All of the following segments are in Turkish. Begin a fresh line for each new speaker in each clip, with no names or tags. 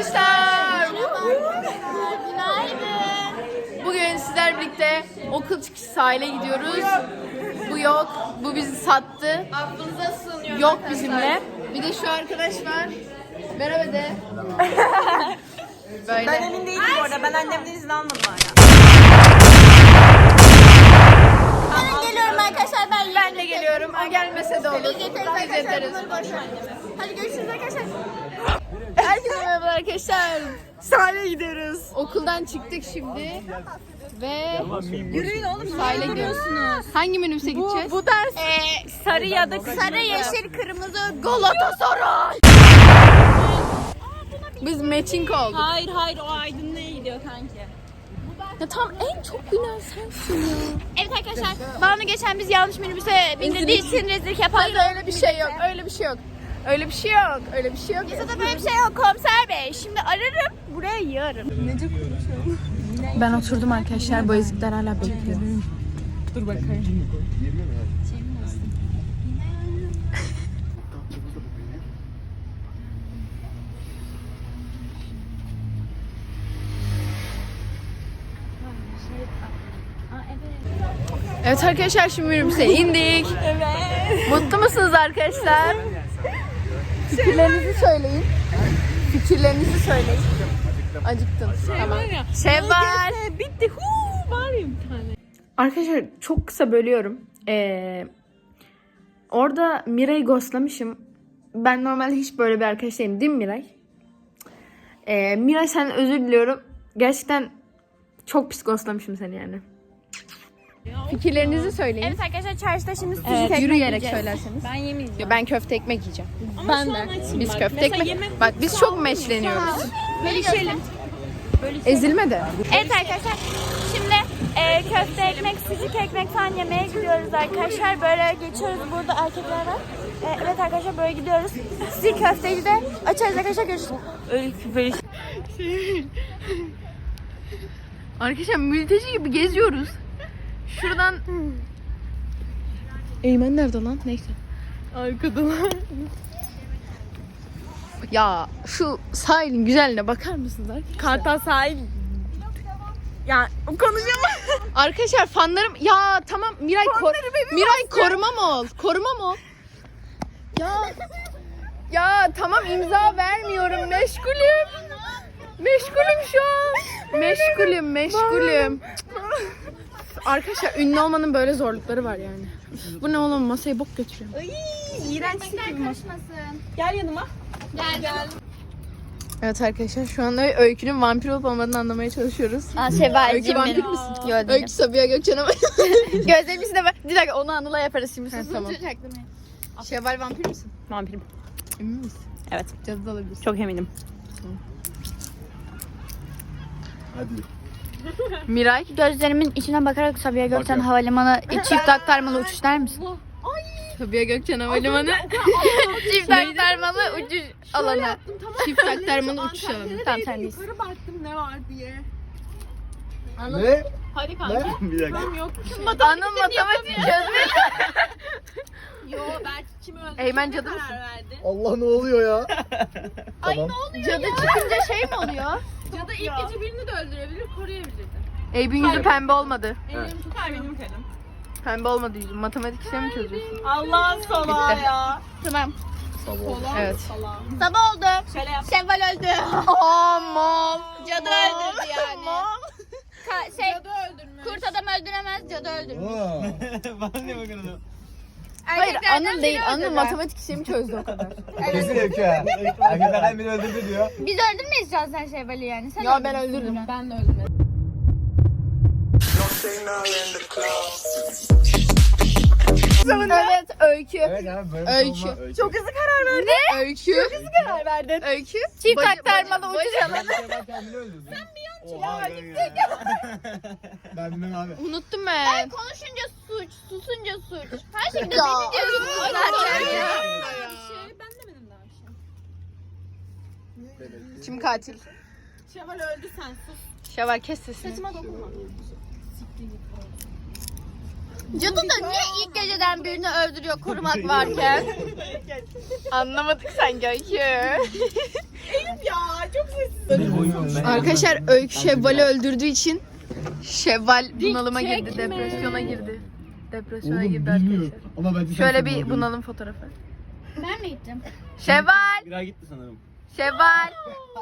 arkadaşlar.
Günaydın.
Bugün sizler birlikte okul çıkışı sahile gidiyoruz. Bu yok. Bu bizi sattı.
Aklınıza sığınıyor.
Yok bizimle. Bir de şu arkadaş var. Merhaba de. Böyle.
Ben emin değilim bu arada. Ben annemden izin almadım hala.
Ben geliyorum arkadaşlar.
Ben de geliyorum. O gelmese de olur.
Biz yeteriz
Biz
arkadaşlar.
yeteriz.
Bunları boş ver. Hadi görüşürüz arkadaşlar.
Herkese merhaba arkadaşlar.
Sahile gidiyoruz.
Okuldan çıktık şimdi. Ve
Yürüyün oğlum.
sahile gidiyoruz. Hangi minibüse gideceğiz?
Bu ders sarı ya da
Sarı, yeşil, kırmızı.
Galatasaray. Biz matching olduk.
Hayır o aydınlığa gidiyor kanki.
Ya tam en çok gülen sensin ya.
Evet arkadaşlar. Banu geçen biz yanlış minibüse bindirdiği için rezillik yapardı.
Hayır öyle bir şey yok. Öyle bir şey yok. Öyle bir şey yok. Öyle bir şey yok.
Yasada böyle bir şey yok komiser bey. Şimdi ararım. Buraya yığarım.
Ben oturdum arkadaşlar. Bu ezikler hala bekliyor.
Dur bakayım.
Evet arkadaşlar şimdi minibüse indik.
Evet.
Mutlu musunuz arkadaşlar? Fikirlerinizi söyleyin. Fikirlerinizi söyleyin. Acıktın. Tamam. Şevval.
Bitti. Var ya bir tane.
Arkadaşlar çok kısa bölüyorum. Orada Miray'ı ghostlamışım. Ben normalde hiç böyle bir arkadaş değilim. Değil mi Miray? Miray senden özür diliyorum. Gerçekten çok pis ghostlamışım seni yani. Fikirlerinizi söyleyin.
Evet arkadaşlar çarşıda şimdi sucuk
Evet,
ekmek
yürüyerek
yiyeceğiz.
söylerseniz.
Ben yemeyeceğim.
Ya ben köfte ekmek yiyeceğim.
Ama şu an açım
Biz
bak.
köfte
Mesela
ekmek.
yemek
Bak biz çok meşleniyoruz.
bölüşelim.
Ezilme de.
Evet arkadaşlar şimdi köfte ekmek, sucuk ekmek falan yemeye gidiyoruz arkadaşlar. Böyle geçiyoruz, burada erkekler var. Evet arkadaşlar böyle gidiyoruz. Sizi köfteyi de açarız arkadaşlar, görüşürüz.
Böyle
Arkadaşlar mülteci gibi geziyoruz. Şuradan... Eymen nerede lan? Neyse.
arkada.
Ya şu sahilin güzelliğine bakar mısınız arkadaşlar?
Kartal sahil. Ya konuşamam.
Arkadaşlar fanlarım... Ya tamam Miray Miray korumam ol. Korumam ol. Ya tamam imza vermiyorum. Meşgulüm. Meşgulüm şu an. Meşgulüm. Arkadaşlar ünlü olmanın böyle zorlukları var yani. Bu ne oğlum, masayı bok götürüyor.
Ay, iğrenç gibi. Gel yanıma. Gel.
Evet arkadaşlar şu anda Öykü'nün vampir olup olmadığını anlamaya çalışıyoruz. Öykü vampir misin? Öykü Sabiha Gökçen'e bak.
Gözlerimizi de bir dakika onu Anıl'a yaparız şimdi.
Ha, tamam. Şevval vampir misin?
Vampirim.
Emin misin?
Evet.
Cadı da olabilirsin.
Çok eminim.
Miray?
Gözlerimin içine bakarak Sabiha Gökçen Havalimanı çift aktarmalı uçuş der misin?
Sabiha Gökçen Havalimanı.
Çift aktarmalı uçuş alanı.
Çift aktarmalı uçuş alanı.
Tamam sen değilsin.
Yukarı baktım ne var diye.
Ne?
Hadi kanka.
Bir dakika.
Yok.
Anıl matematik çözmüş.
Yo belki kim öldü?
Eymen cadı mısın?
Verdi.
Allah ne oluyor ya? Tamam.
Cadı çıkınca şey mi oluyor?
Cadı ilk gece birini de öldürebilir, koruyabilirdi.
Eyüp'ün yüzü pembe olmadı.
Benim karım.
Pembe olmadı yüzü. Matematik işlemi mi çözüyorsun?
Allah salağı
Bitti.
ya.
Tamam.
Evet.
Sabah oldu.
Şöyle yap.
Şevval öldü.
Aman.
Cadı öldürdü yani.
Cadı öldürmüş.
Kurt adam öldüremez, cadı öldürür.
Bana ne bakın
Hayır
Erkeklerden
Anıl
biri
değil. Anıl
öldürdü.
matematik işlemi çözdü o kadar.
Kesin Öykü ha. Erkeklerden biri öldürdü diyor.
Biz öldürmeyiz sen Şevval'i yani. Sen
Ya ben öldürdüm.
Ben de öldüm.
Evet Öykü.
Evet yani böyle bir
Öykü.
şey olmaz.
Çok hızlı karar verdin. Ne? Öykü. Çok hızlı karar verdin. Öykü.
Çift
Bacı-
aktarmalı
bacı-
uçuş alanı.
Ben kendini öldürdüm. Sen bir yan çileğe gittik. Ben bilmem abi.
Unuttum ben.
Konuşunca suç, susunca suç. Her şeyde
Ya.
deli diyorsun zaten ya.
Ben demedim daha bir şey.
Kim katil?
Şevval öldü sen sus.
Şevval kes sesini.
Saçıma dokunma.
Cadı da niye ilk geceden birini öldürüyor korumak varken?
Anlamadık sanki Öykü.
Ya çok sessiz
Arkadaşlar Öykü Şevval'i öldürdüğü için Şevval bunalıma girdi, depresyona girdi. Depresyona girdi arkadaşlar.
Ama bence
Şöyle bir bunalım fotoğrafı.
Ben mi gittim?
Şevval!
Birer gitti sanırım.
Şevval!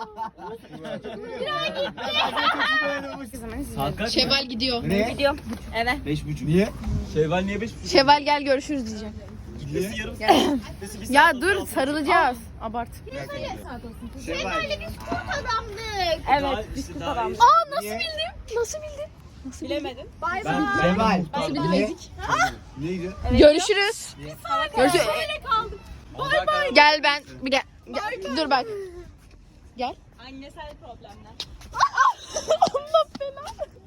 Saat kaç?
Şevval gidiyor.
Ne?
Gidiyorum. Eve.
5.30.
Niye?
Şevval niye 5.30?
Şevval gel görüşürüz diyeceğim.
Gitmesi yarım saat. Gitmesi bir saat.
Ya dur sarılacağız. Abart.
Şevval'le biz kurt adamdık.
Evet. Biz kurt adamız.
Aa nasıl bildin? Nasıl bildin?
Bilemedin.
Bay
Ben
bay.
Şevval.
Nasıl bildin Ezik?
Neydi?
Görüşürüz. Görüşürüz.
Bay bay.
Gel ben. Bir gel. Dur bak. Gel.
Annesel problemler.
Allah belanı.